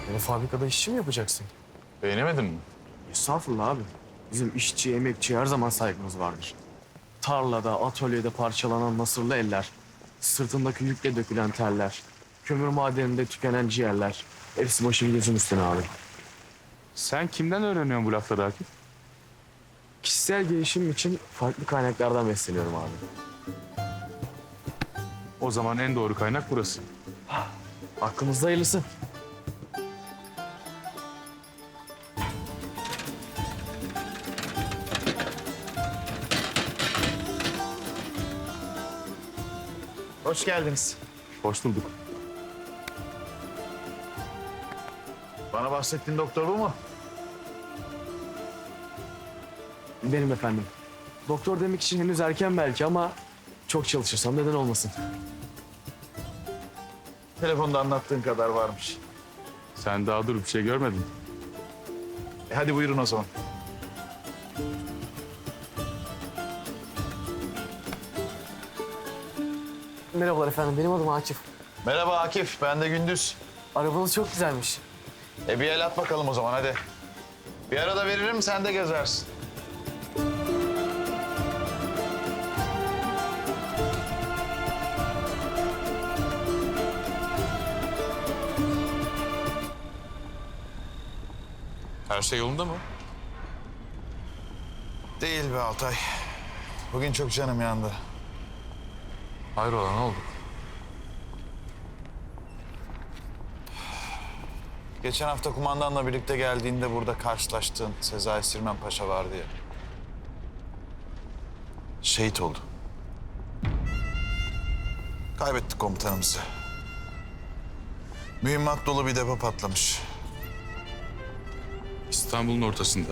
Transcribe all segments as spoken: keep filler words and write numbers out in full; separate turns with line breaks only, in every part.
Yani fabrikada işçi mi yapacaksın?
Beğenemedin mi?
Estağfurullah abi. Bizim işçi, emekçi her zaman saygımız vardır. Tarlada, atölyede parçalanan nasırlı eller, sırtındaki yükle dökülen terler, kömür madeninde tükenen ciğerler. Hepsi başım gözüm üstüne abi.
Sen kimden öğreniyorsun bu lafları Akif?
Kişisel gelişim için farklı kaynaklardan besleniyorum abi.
O zaman en doğru kaynak burası.
Aklımızda hayırlısı. Hoş geldiniz.
Hoş bulduk.
Bana bahsettiğin doktor bu mu?
Benim efendim. Doktor demek için henüz erken belki ama çok çalışırsam neden olmasın.
Telefonda anlattığın kadar varmış.
Sen daha dur bir şey görmedin.
E hadi buyurun o zaman.
Merhabalar efendim, benim adım Akif.
Merhaba Akif, ben de Gündüz.
Arabanız çok güzelmiş.
E bir el at bakalım o zaman hadi. Bir arada veririm, sen de gezersin.
Her şey yolunda mı?
Değil be Altay. Bugün çok canım yandı.
Hayrola ne oldu?
Geçen hafta kumandanla birlikte geldiğinde burada karşılaştığın Sezai Sirmen Paşa vardı ya. Şehit oldu. Kaybettik komutanımızı. Mühimmat dolu bir depo patlamış.
İstanbul'un ortasında.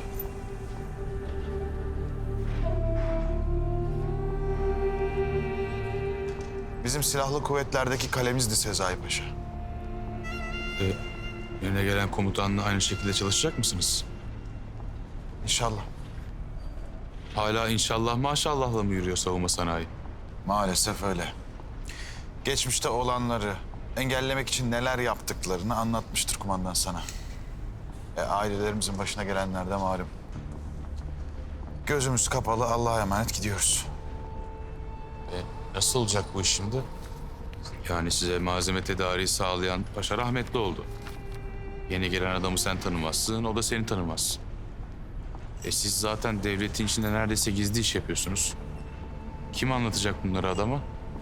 Bizim silahlı kuvvetlerdeki kalemizdi Sezai Paşa.
E, yerine gelen komutanla aynı şekilde çalışacak mısınız?
İnşallah.
Hala inşallah maşallahla mı yürüyor savunma sanayi?
Maalesef öyle. Geçmişte olanları engellemek için neler yaptıklarını anlatmıştır kumandan sana. E, ailelerimizin başına gelenler de malum. Gözümüz kapalı, Allah'a emanet gidiyoruz.
E, nasıl olacak bu iş şimdi? Yani size malzeme tedariği sağlayan paşa rahmetli oldu. Yeni gelen adamı sen tanımazsın, o da seni tanımaz. E siz zaten devletin içinde neredeyse gizli iş yapıyorsunuz. Kim anlatacak bunları adama?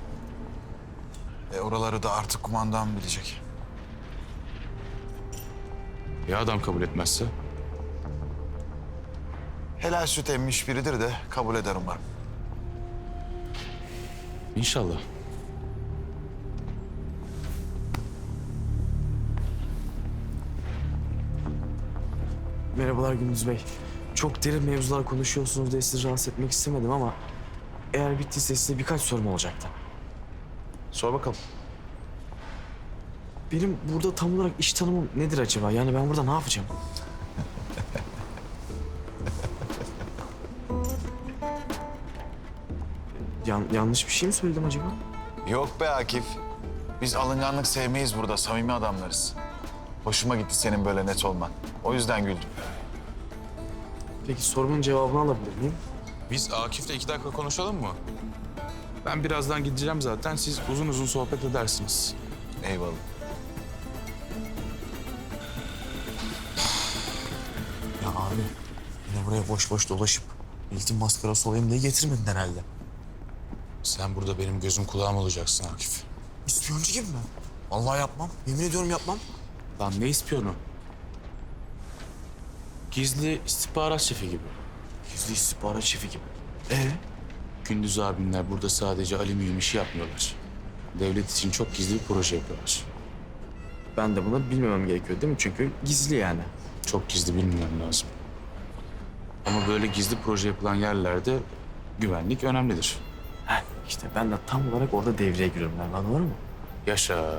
E, oraları da artık kumandan bilecek.
Ya adam kabul etmezse?
Helal süt emmiş biridir de kabul eder umarım.
İnşallah.
Merhabalar Gündüz Bey. Çok derin mevzular konuşuyorsunuz diye sizi rahatsız etmek istemedim ama eğer bittiyse size birkaç sorum olacaktı.
Sor bakalım.
Benim burada tam olarak iş tanımım nedir acaba? Yani ben burada ne yapacağım? Yan- yanlış bir şey mi söyledim acaba?
Yok be Akif. Biz alınganlık sevmeyiz burada, samimi adamlarız. Hoşuma gitti senin böyle net olman. O yüzden güldüm.
Peki sorumun cevabını alabilir miyim?
Biz Akif'le iki dakika konuşalım mı? Ben birazdan gideceğim zaten. Siz uzun uzun sohbet edersiniz.
Eyvallah.
Ya abi yine buraya boş boş dolaşıp milletin maskarası olayım diye getirmedin herhalde.
Sen burada benim gözüm kulağım olacaksın Akif.
İspiyoncu gibi mi? Vallahi yapmam. Yemin ediyorum yapmam.
Lan ne ispiyonu? Gizli istihbarat şefi gibi.
Gizli istihbarat şefi gibi. Ee?
Gündüz abimler burada sadece alüminyum işi yapmıyorlar. Devlet için çok gizli bir proje yapıyorlar.
Ben de bunu bilmemem gerekiyor değil mi? Çünkü gizli yani.
Çok gizli bilmem lazım. Ama böyle gizli proje yapılan yerlerde güvenlik önemlidir.
Heh, işte ben de tam olarak orada devreye giriyorum ben. Anladın mı?
Yaşa.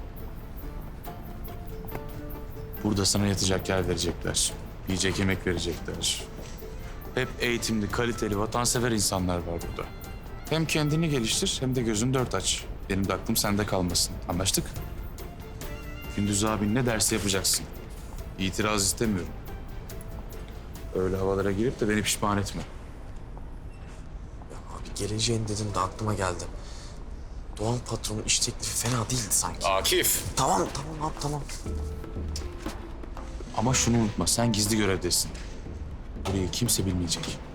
Burada sana yatacak yer verecekler. Yiyecek yemek verecekler. Hep eğitimli, kaliteli, vatansever insanlar var burada. Hem kendini geliştir hem de gözünü dört aç. Benim de aklım sende kalmasın. Anlaştık? Gündüz abin ne derse yapacaksın. İtiraz istemiyorum. Öyle havalara girip de beni pişman etme.
Abi geleceğin dedin de aklıma geldi. Doğan patronun iş teklifi fena değildi sanki.
Akif!
Tamam tamam abi tamam.
Ama şunu unutma, sen gizli görevdesin. Burayı kimse bilmeyecek.